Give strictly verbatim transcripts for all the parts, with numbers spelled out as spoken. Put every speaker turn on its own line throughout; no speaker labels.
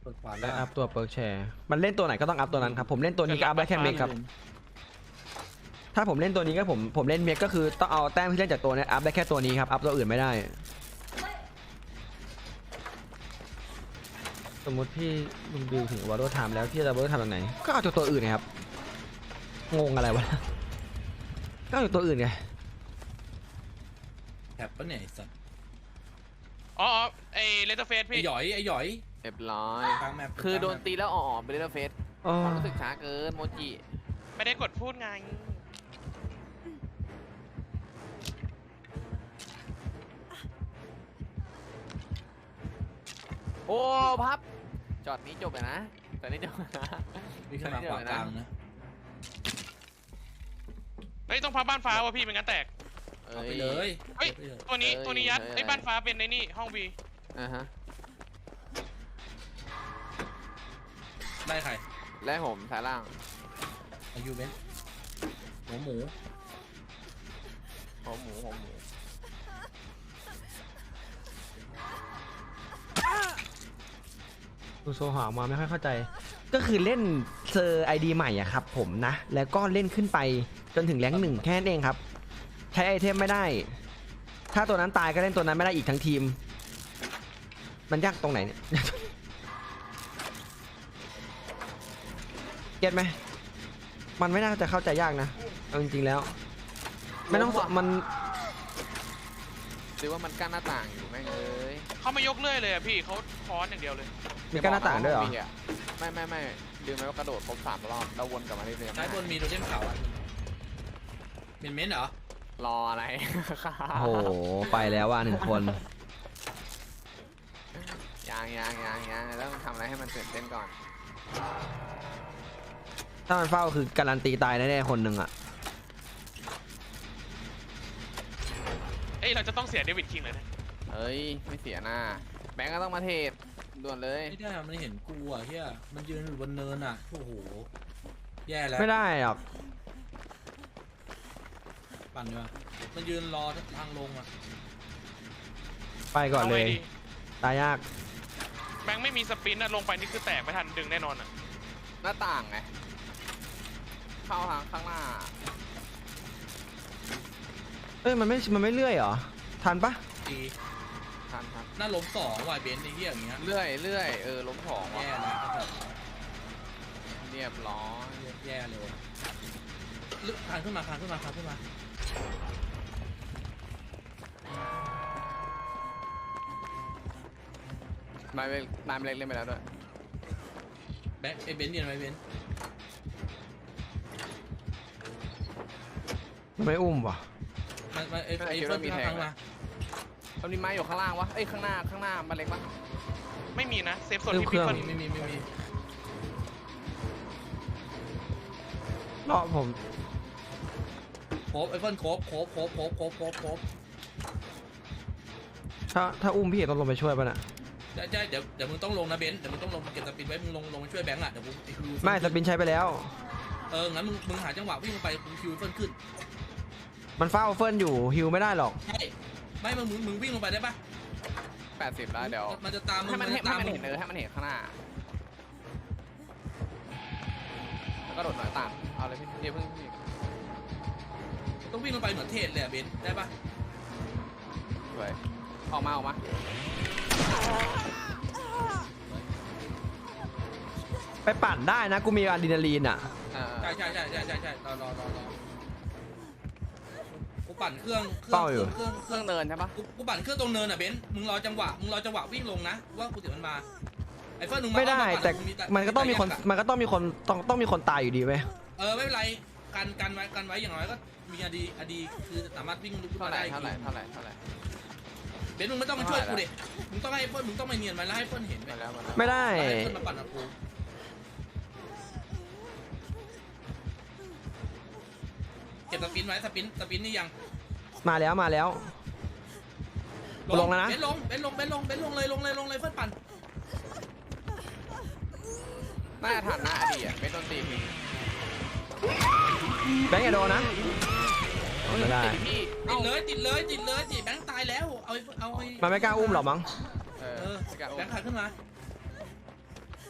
กดขวา
ได้
ได้
อัพตัวเปิร์กแชร์มันเล่นตัวไหนก็ต้องอัพตัวนั้นครับผมเล่นตัวนี้ก็อัพได้แค่เมกครับถ้าผมเล่นตัวนี้ก็ผมผมเล่นเมกก็คือต้องเอาแต้มที่เล่นจากตัวนี้อัพได้แค่ตัวนี้ครับอัพตัวอื่นไม่ได้สมมติพี่ลุงบิวถึงวอลโลไทม์แล้วพี่จะวอลโลไทม์แบบไหนก็เอาจากตัวอื่นนะครับงงอะไรวะก็เอาจากตัวอื่นไง
แถบปะเนี่ยไอ้สัตว์
อ๋อไอเลตเตอร์เฟส
ไอ้
พี่
หยอยไอ้หยอย
เรียบร้อย
กลางแมป
คือโดนตีแล้วอ่อนๆไปเล่นเฟส
อ๋อ
ความรู้สึกช้าเกินโมจิ
ไม่ได้กดพูดไง
โอ้พับจอดนี้จบเลยนะจอดนี้จบนะ
มีขนาดขวากลางนะ
เฮ้ยต้องพับบ้านฟ้าวะพี่เป็นงั้นแตก
เอาไปเลย
เฮ้ย
อาไปเลย
ตัวนี้ตัวนี้ยัดไอ้บ้านฟ้าเป็นในนี่ห้องวี
อ่าฮะ
ได้ใคร
และผมสายล่าง
อายุเบนหมูหมู
หัวหมูหัวหมู
ดูโซหามาไม่ค่อยเข้าใจ ก็คือเล่นเซอร์ไอดีใหม่อะครับผมนะแล้วก็เล่นขึ้นไปจนถึงแรงค์หนึ่งแค่นั้นเองครับใช้ไอเทมไม่ได้ ถ้าตัวนั้นตายก็เล่นตัวนั้นไม่ได้อีกทั้งทีม มันยากตรงไหนเนี่ย เก็ตไหมมันไม่น่าจะเข้าใจยากนะเอาจริงๆแล้วไม่ต้องมัน
หรือว่ามันกั้นหน้าต่างอยู่แม่งเอ้ย
เขาไม่ยกเลื่อยเลยอะพี่เขาคอนอย่างเดียวเลย
มีกั้นหน้าต่างด้วยเหรอ
ไม่ไม่ไม่ลืมไปว่ากระโดดครบสามรอบแล้ววนกลับมาที่เดิม
ซ้ายบนมีโดเจนเขาอ่ะเมนเมนเหรอ
รออะไร
โอ้โหไปแล้วว่าหนึ่งคน
ยังยังยังยังแล้วต้องทำอะไรให้มันตื่นเต้นก่อน
ถ้ามันเฝ้าคือการันตีตายแน่ๆคนหนึ่งอะ
เอ้ยเราจะต้องเสียเดวิดคิงเลยนะ
เฮ้ยไม่เสียหน้าแบงก์ก็ต้องมาเทรดด่วนเลย
ไม่ได้มันเห็นกูอ่ะเฮียมันยืนอยู่บนเนินอ่ะโอ้โหแย่แล้ว
ไม่ได้หรอก
ปั่นดีกว่ามันยืนรอทางลงอ่ะ
ไปก่อนเลย
าไงดี
ตายยาก
แบงค์ไม่มีสปรินต์อะลงไปนี่คือแตกไม่ทันดึงแน่นอนอะ
หน้าต่างไงเข้าทางข้างหน้า
เอ้ยมันไม่มันไม่เลื่อยเหรอทันปะ
ตี
ทันทัน
หน้าล้มสองว่ะเบนซ์ไอ้เหี้ยอย่างเงี้ย
เลื่อยเลื่อยเออล้มของว่ะ
แย่แล้ว
เรียบร้อย
แย่เลยลึกคานขึ้นมาคานขึ้นมาคานขึ้นมา
นายเล็กนายเล็กเล่นไปแล้วด้วย
แบงค์ไอ้เบนซ์เนียนไหมเบนซ์
มันไม่อุ้มว่ะ
มันมันไอ้ไอ้เฟิร์สทางมา
ตอนนี้ไม้อยู่ข้างล่างวะเอ้ยข้างหน้าข้างหน้ามันเล็กปะ
ไม่มีนะเซฟโซนที่พี่เปิ้ล
ไม่มีไม่มี
รอผม
โคบไอ้เฟิร์นโคบโคบโคบโคบโคบโคบโคบ
ถ้าถ้าอุ้มพี่ต้องลงไปช่วยป่ะน่ะ
ใช่ใช่เดี๋ยวเดี๋ยวมึงต้องลงนะเบนซ์เดี๋ยวมึงต้องลงเก็บสปินไว้มึงลงลงมาช่วยแบงค์อ่ะเดี๋ยวกูไอ้คิว
ไม่สปินใช้ไปแล้ว
เอองั้นมึงมึงหาจังหวะวิ่งลงไปมึงคิวเฟิร์นขึ้น
มันเฝ้าเฟิร์นอยู่ฮิวไม่ได้หรอก
ใช่ไม่มึงมึงมึงวิ่งลงไปได้ปะ
แปดสิบแล้วเดี๋ยว
มันจะตามมึง
ให้มัน
มัน
เห็น
จะ
ให้
ตาม
มัน
มึง
เห็นเออให้มันเห็นข้างหน้าแล้วก็โดดหน้าต่างเอาเลยพี่เดี๋ยวเพิ่งพี่
ต้องวิ่งลงไปเหมือนเทศเลยอะเบนซ์ได้ปะ
สวยออกมาออกมา
ไปปั่นได้นะกูมีอะดรีนาลีนอ่ะ
เออ
ใช่ใช่ใช่ใช่ใช่ใช่รอรอรอรอกูปั่นเครื่องเครื่
เป้าอยู่
เครื่องเค
เค
รื่
รื่
อ
อง งเดินใช่ปะ
กูกูปั่นเครื่องตรงเนินอ่ะเบนซ์มึงรอจังหวะมึงรอจังหวะวิ่งลงนะว่ากูเสียมันมาไอ้เฟิร์นมึงา
ไม่ได้
เอาา
แต่
ปั่
มันก็ต้องมีคน
ตะ
มันก็ต้องมีคนต้องต้องมีคนตายอยู่ดีเว้ย
เออไม่เป็นไรกันกันไว้กันไว้อย่างน้อยก็มีอดีอดีคือสามารถวิ่งลุกขึ้น
เท่า
มา
ไหร่
ได้
เท่าไหร่เท่าไหร่เท่าไหร่
เบนซ์มึงไม่ต้องมาช่วยกูดิมึงต้องให้เฟิร์นมึงต้องมาเนียนมาแล้วให้เฟิร์นเห็นไป
มาแล้วมาแล้ว
ไม่ได้
แล้วให้เฟิร์นมาปั่นกับกูเก็บสปินไว้สปินสปินนี่ยัง
มาแล้วมาแล้ว ลงแล้วนะ
เบนลงเบนลงเบนลงเบนลงเลยลงเลยลงเลยเฟิร์นปั่น
น่าจะทันหน้าอดีตอะไม่ต้นตีพี่
แบงค์อย่าโดนนะไม่ได้
ติดพี่
ติ
เอ้า
ดเลยติดเลยติดเลยติดแบงค์ตายแล้วเอาเอาไอ้
มันไม่กล้าอุ้มหรอกมั้ง
เอ
เอ
อ
อ
สกัด
แบงค์ขาขึ้นมา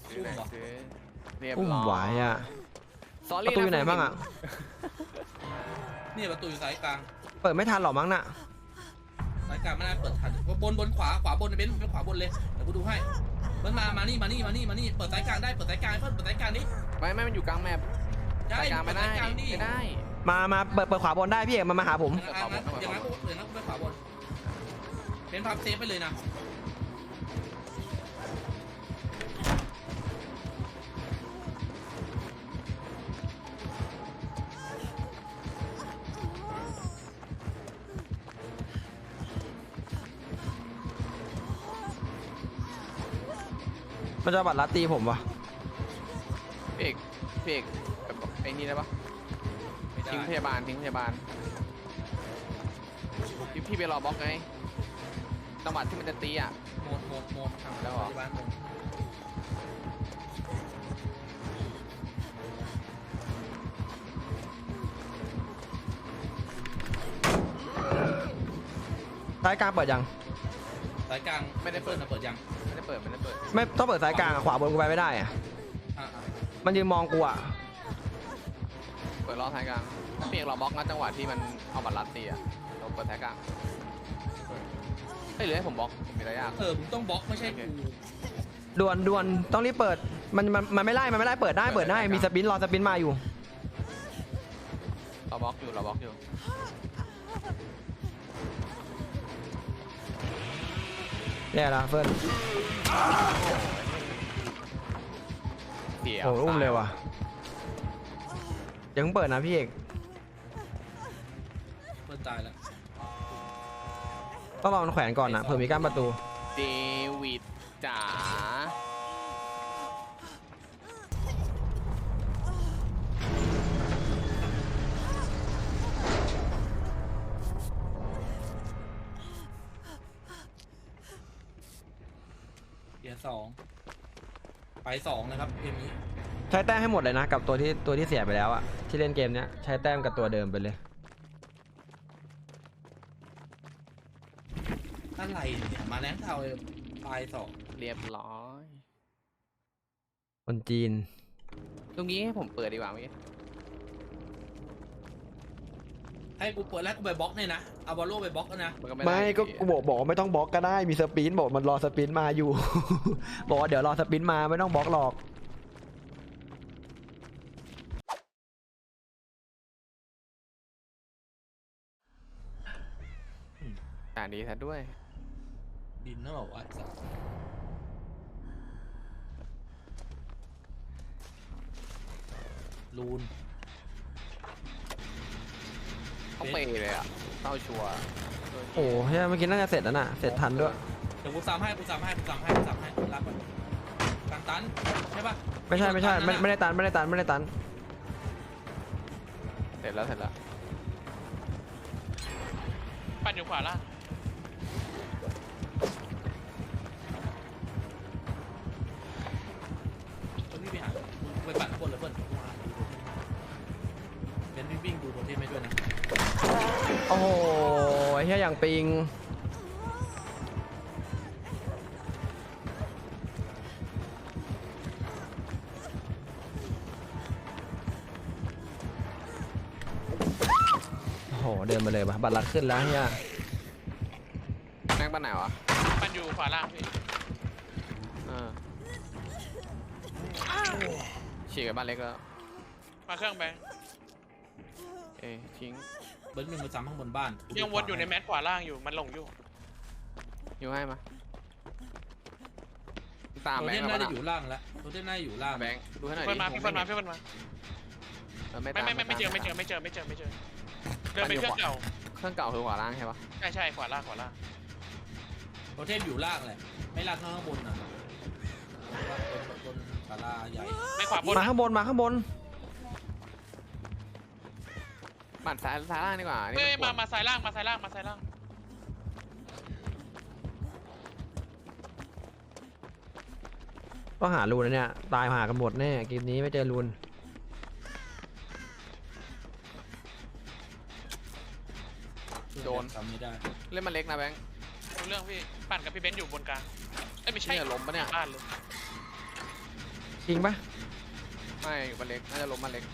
อุ้มเหรอ
เรียบ
อุ้ม
ร้อย
ไหวอ่ะ
สอ
ประ
รี่
ตูอยู่ไหนบ้างอ่ะ
นี่ประตูอยู่สายกลาง
เปิดไม่ทันหรอมั้งน่ะ
สายกลางไม่น่าเปิดทันบนบนขวาขวาบนเบนซ์เป็นขวาบนเลยเดี๋ยวกูดูให้มันมามานี่มานี่มานี่มานี่เปิดสายกลางได้เปิดสายกลางเพิ่มเปิดสายกลางนี้
ไม่ไม่มันอยู่กลางแมป
ได้
สายกลางไม่ได้
เปิสายกลางนี่
ไม่ได้
มามาเปิดเปิดขวาบนได้พี่เอกมันมาหาผม
อย่างนั้นอย่างนั้นกูอย่างนั้นกูไปขวาบนเป็นพับเซฟไปเลยนะ
มันจะบัตรลัดตีผมวะ
พี่เอกพี่เอกแบบไอ้นี่ได้ปะ
ไม่ได้
ทิ้งพยาบาลทิ้งพยาบาลพี่พี่ไปรอบล็อกไงจังหวะที่มันจะตีอ่ะ
โหมดโหมดโหมด
แล้วเหรอ
พยาบาลโหมด
สายกลางเปิดยัง
สายกลางไม่ได้เปิดนะเปิดยัง
ไม่ได้เปิดไม่ได้เปิด
ไม่ต้องเปิดสายกลางอะขวาบนกูไปไม่ได้อะ
อ่าอ่า
มันยืนมองกูอะ
เปิดรอบท้ายกลางพี่เอกรอบล็อกนะจังหวะที่มันเอาบัตรลัดตีอ่ะเราเปิดท้ายกลางเอ้ยหรือให้ผมบล็อกมีระยะ
เออมึงต้องบล็อกไม่ใช่กู
ด่วนด่วนต้องรีบเปิดมันมันมันไม่ไล่มันไม่ไล่เปิดได้เปิดได้มีสปินรอสปินมาอยู่
เราบล็อกอยู่เราบล็อกอยู่
แย่ละเฟิร์น
เสียว
โอ้อุ้มเลยว่ะยังเปิดนะพี่เอก
เปิดตายแล้ว
ต้องรอมันแขวนก่อนนะเผื่อมีกั้นประตู
เดวิดจ๋า
เดียร์สองไปสองนะครับเกมนี้
ใช้แต้มให้หมดเลยนะกับตัวที่ตัวที่เสียไปแล้วอะที่เล่นเกมเนี้ยใช้แต้มกับตัวเดิมไปเลย
อะไรเนี่ยมาแรงเทาเลยปลายสอง
เรียบร้อย
คนจีน
ตรงนี้ให้ผมเปิดดีกว่าเมื่อกี้
ให้กูเปิดแล้วกูไปบล็อกเนี่ยนะเอาบอลโล่ไปบล็อกแล้วนะ
มันก็ไม่
ไม่
ได้
ก็
อยู่ดี
กูบอกบอกว่าไม่ต้องบล็อกก็ได้มีสปินบอกมันรอสปินมาอยู่ บอกว่าเดี๋ยวรอสปินมาไม่ต้องบล็อกหรอก
อ่าดีซะด้วย
ดินนะบอกว่าไอ้สัสลูน
ต้องเปย์เลยอ่ะเต้าชัวร์
โอ้เฮ้ยเมื่อกี้น่าจะเสร็จแล้วน่ะเสร็จทันด้วย
เดี๋ยวกูซ้ำให้กูซ้ำให้กูซ้ำให้กูซ้ำให้รับก่อนกลางตันใช่ปะ
ไม่ใช่ไม่ใช่ไม่ไม่ได้ตันไม่ได้ตันไม่ได้ตัน
เสร็จแล้วเสร็จแล้ว
ปั่นอยู่ขวาล่าง
เพิ่นวิ่งไปหากูไปปั่นข้างบนเลยเพิ่นเป็นวิ่งวิ่งดูโปรเทมไม่ด้วยนะ
โอ้โหเฮียอย่างปิงโอ้โหเดินมาเลยปะบัตรลัดขึ้นแล้วเฮีย
แม่งปันไหนวะ
ปั่นอยู่ขวาล่างพี่
เออฉีกไปบ้านเล็กแล้ว
มาเครื่องแบงค์
เอ้ยทิ้ง
เบิ้ลมึงไปซ้ำข้างบนบ้าน
ยังวนอยู่ในแมสขวาล่างอยู่มันหลงอยู่
อยู่ให้มาตาม
โปร
แบ
เท
ง
ม
ค์
น่า
แล้ว
จะอยู่ล่างแล้วโปรเทมน่าจะอยู่ล่าง
แบงค์ดูให้หน่อย
เพื่อนมา
ดิ
พี่เพื่อนมาพี่เพื่อนมา
เออไม่
ไม่
ตาม
ไม่ไม่ไม่เจอ
ตา
ไม่เจอไม่เจอไม่เจอไม่เจอเดินไปเครื่องเก่า
เครื่องเก่าคือขวาล่างใช่ปะ
ใช่ใช่ขวาล่างขวาล่าง
โปรเทมอยู่ล่างแหละไม่ล่างข้างบนนะบนบนศาลาใหญ่
ไม่ขวาบน
มาข้างบนมาข้างบน
บัตรซ้ายซ้ายล่างดีกว่านี่
เอ้ย
ปว
มา
ด
มาซ้ายล่างมาซ้ายล่างมาซ้ายล่าง
ต้องหารูนนะเนี่ยตายหากันหมดแน่เกมนี้ไม่เจอรูน
โดน
ทำไม่ได้
เล่นมันเล็กนะแบงค์
รู้เรื่องพี่ปั่นกับพี่เบนซ์อยู่บนกลางเอ้ยไม่ใช่
เนี่ยล้มปะเนี่ย
บ้านเลย
จริงปะ
ไม่อยู่บ้านเล็กน่าจะล้มบ้านเล็ก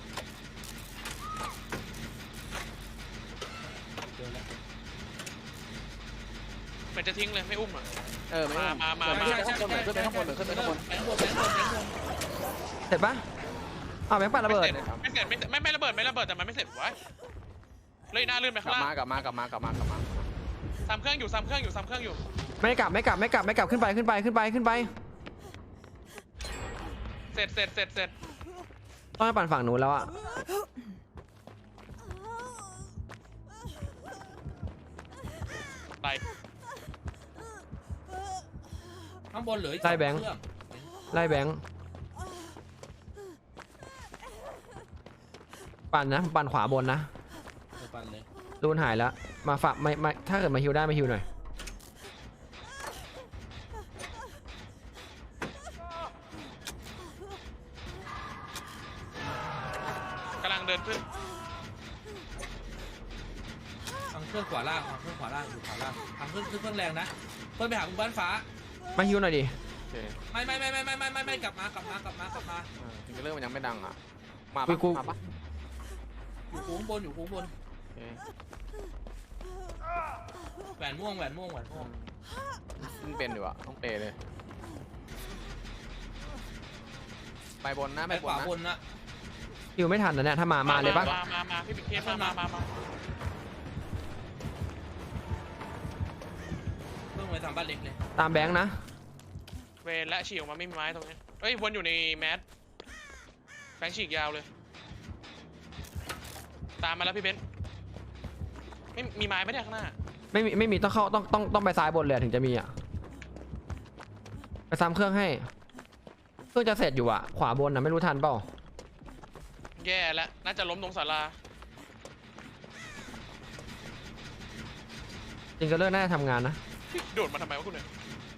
เจอแล้ว
เหมือนจะทิ้งเลยไม่อุ้มอ่ะ
เออไม่
มามามา
ขึ้นไปข้างบนขึ้นไปข้างบนหรือขึ้นไปข้างบน
แบงค์บนแบงค์บนแบงค์บน
เสร็จปะอ้าวแบงค์ปัดระเบิด
ไม่เสร็จไม่เสร็จไม่ไม่ระเบิดไม่ระเบิดแต่มันไม่เสร็จวะเลยหน้าลื่นไป
ก
ข้า
ลั
ง
บ
ล่าง
มากลับมากลับมากลับมากลับมา
ซ้ำเครื่องอยู่ซ้ำเครื่องอยู่ซ้ำเครื่องอยู่
ไม่กลับไม่กลับไม่กลับไม่กลับขึ้นไปขึ้นไปขึ้นไปขึ้นไป
เสร็จเสร็จเสร็จเสร็จ
ต้องไปปั่นฝั่งนู้นแล้วอะ
ไป
ข้างบนเหลืออีก
ไล่แบงค์
เครื่อง
ไล่แบงค์ปั่นนะปั่นขวาบนนะ
เดี๋ยวปั่นเลย
รูนหายแล้วมาฝากไม่ไม่ถ้าเกิดมาฮิวได้มาฮิวหน่อย
กำลังเดินขึ้น
ทางเครื่องขวาล่างทางเครื่องขวาล่างอยู่ขวาล่างทางเครื่องเครื่องแรงนะเพิ่นไปหาคุณบ้านฟ้า
มาฮิวหน่อยดิ
โอเค
ไม่ไม่ไม่ไม่ไม่ไม่ไม่ไม่กลับมากลับมากลับมากลับมา
ถึงจะเรื่องมันยังไม่ดังอ่ะมา
กู
ปะ
กู
มาปะ
อยู่ข้างบนอยู่ข้างบน
โอเค
แหวนม่วงแหวนม่วงแหวนม่วง
ขึ้นเป็นอยู่อ่ะต้องเปย์เลยไปบนนะ
ไป
ไป
ข
บน
วา
นะ
บนนะ
ฮิวไม่ทันนะเนี่ยถ้ามามาเลยปะ
มามามาพี่บิ๊กเคสมามามามา
เพิ่งไปทำบ้านเล็กเลย
ตามแบงค์นะ
เวรและฉีกออกมาไม่มีไม้ตรงนี้เอ้ยวนอยู่ในแมสแบงค์ฉีกยาวเลย ตามมาแล้วพี่เบนซ์ไม่มีไม้ไม่ได้ข้างหน้า
ไม่มีไม่มีต้องเข้าต้องต้องต้องไปซ้ายบนเลยถึงจะมีอ่ะไปซ้ำเครื่องให้เครื่องจะเสร็จอยู่อ่ะขวาบนนะไม่รู้ทันเปล่า
แย่แล้วน่าจะล้มตรงศาลา
จริงก็เลิกน่าจะทำงานนะ
โดดมาทำไมวะคุณเนี่ย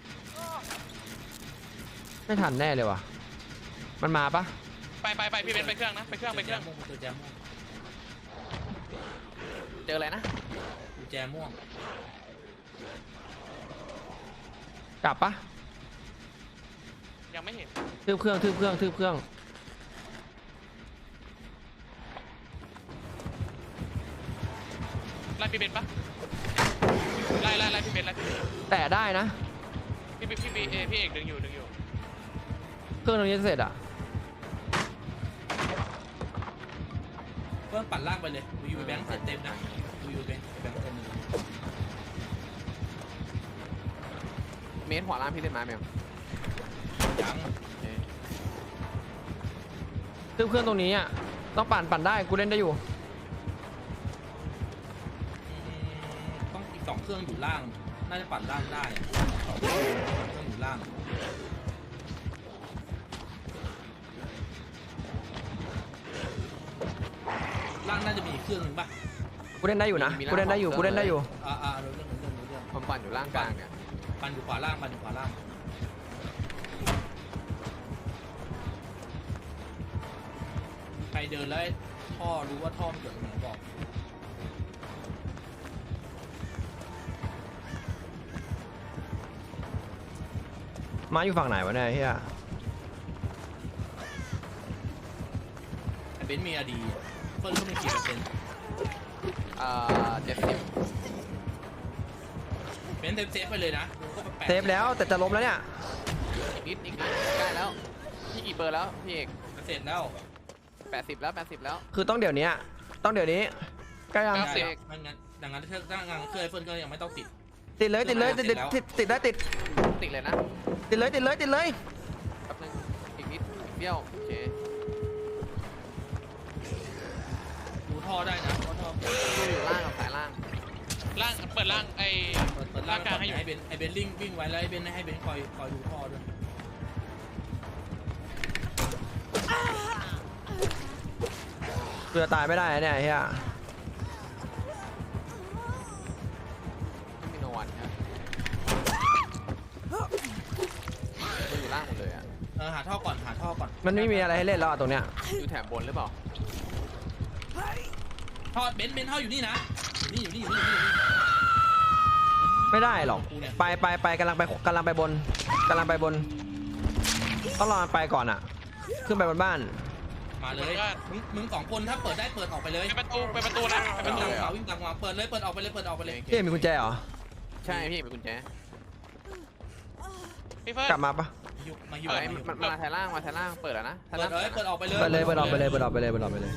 ไม่ทันแน่เลยว่ะมันมาปะ
ไปไปไปพี่เบนซ์ไปเครื่องนะไปเครื่องไปเครื่อง
ม่วงกุญแจม่วง
เจออะไรนะ
กุญแจม่วง
กลับปะ
ยังไม่เห็น
ทืบเครื่องทืบเครื่องทืบเครื่อง
ไล่พี่เบนซ์ปะไล่ไล่ไล่พี่เบนซ์ไล่พี่เบนซ์
แต่ได้นะ
พี่พี่พี่เอพี่เอกดึงอยู่ดึงอยู่
เครื่องตรงนี้จะเสร็จอ่ะ
เพิ่มปั่นล่างไปเลยดูยูแบงค์เต็มเต็มนะดูยูแบงค์แบงค์เต็มเลย
เมตรขวาล่างพี่เล่นไม้ไหมครับ
ยัง
โอเค
ทืบเครื่องตรงนี้อ่ะต้องปั่นปั่นได้กูเล่นได้อยู่
อืมต้องอีกสองเครื่องอยู่ล่างน่าจะปั่นล่างได้อะสองเครื่องอยู่ล่างล่างน่าจะมีอีกเครื่องหนึ่งป่ะ
กูเล่นได้อยู่นะกูเล่นได้อยู่กูเล่นได้อยู่
อ่าอ่าเรื่องเรื่องเรื่องเรื่อง
ผมปั่นอยู่ล่างกลางเนี่ย
ปั่นอยู่ขวาล่างปั่นอยู่ขวาล่างใครเดินแล้วท่อรู้ว่าท่อมันเกิดตรงไหนบอก
มาอยู่ฝั่งไหนวะเนี่ยเฮีย
ไอ้เบนซ์มีอดีเฟิร์นก็มีกี่เปอร์เซ็นต์
เอ่อเจ็ดสิบ
เบนซ์เซฟเซฟไปเลยนะก็แปด
เซฟแล้วแต่จะล้มแล้วเนี่ย
อีกนิดอีกนิดใกล้แล้วพี่กี่เบอร์แล้วพี่เอก
เสร็จแล้ว
แปดสิบแล้วแปดสิบแล้ว
คือต้องเดี๋ยวนี้ต้องเดี๋ยวนี้ใกล้ยัง
ได้แล้วไม่งั้นดังนั้นถ้าถ้างานเครื่องไอเฟิร์นก็ยังไม่ต้องติด
ติดเลยติดเลยติดติดติดติดได้ติด
ติดเลยนะ
ติดเลยติดเลยติดเลย
แป๊บนึงอีกนิดอีกเดียวโอเค
ดูท่อได้นะเพราะท่อ
ดูอยู่ล่างกับสายล่าง
ล่างเปิดล่างไอ้
เปิดเปิดล่าง
ล่างกลางให้อยู่
ให้เบนซ์ให้เบนซ์ลิงวิ่งไว้แล้วให้เบนซ์ให้เบนซ์คอยคอยดูท่อด้วย
กูจะตายไม่ได้เนี่ยเฮีย
ไม่มีโนวันครับดูอยู่ล่างหมดเลยอ่ะ
เออหาท่อก่อนหาท่อก่อน
มันไม่มีอะไรให้เล่นแล้วอะตรงเนี้ย
อยู่แถบบนหรือเปล่า
ท่อเบนซ์เบนซ์ท่ออยู่นี่นะอยู่นี่อยู่นี่อยู่นี่อยู่นี่
ไม่ได้หรอก
กูเนี่ย
ไปไปไปกำลังไปกำลังไปบนกำลังไปบน
ป
ต้องรอมันไปก่อนอ่ะ ขึ้นไปบนบ้าน
มาเลยมึงมึงสองคนถ้าเปิดได้เปิดออกไปเลย
ไปประตูไปประตูนะไปประ
วิ่ง
ตู
ตามขวาวิ่งตามขวาเปิดเลยเปิดออกไปเลยเปิดออกไปเลย
พี่เอกมีกุญแจเหรอ
ใช่พี่เป็นกุญแจ
พี่เฟิร์
กลับมาปะ
อยู่มาอยู่
เอ้ย
มาอยู่
มันมาแทนล่างมาแทนล่างเปิดแล้วนะแทน
เปิ
ล่า
ด
ง
เอ้ยเปิดออกไปเลย
ไปเลยเปิดออกไปเลยเปิดออกไปเลยเปิดออกไปเลย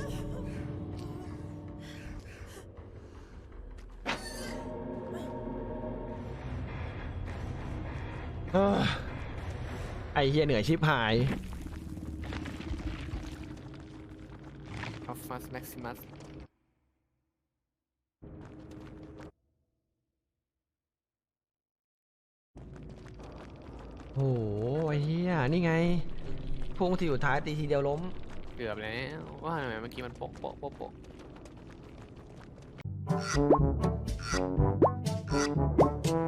เอ้อไอเฮียเหนื่อยชิบหาย
ออฟฟัสแม็กซิมัส
โอ้โหไอ้เหี้ยนี่ไงพุ่งทีสุดท้ายตีทีเดียวล้ม
เกือบแล้วว่าทำไมเมื่อกี้มันโป๊ะโป๊ะโป๊ะโป๊ะ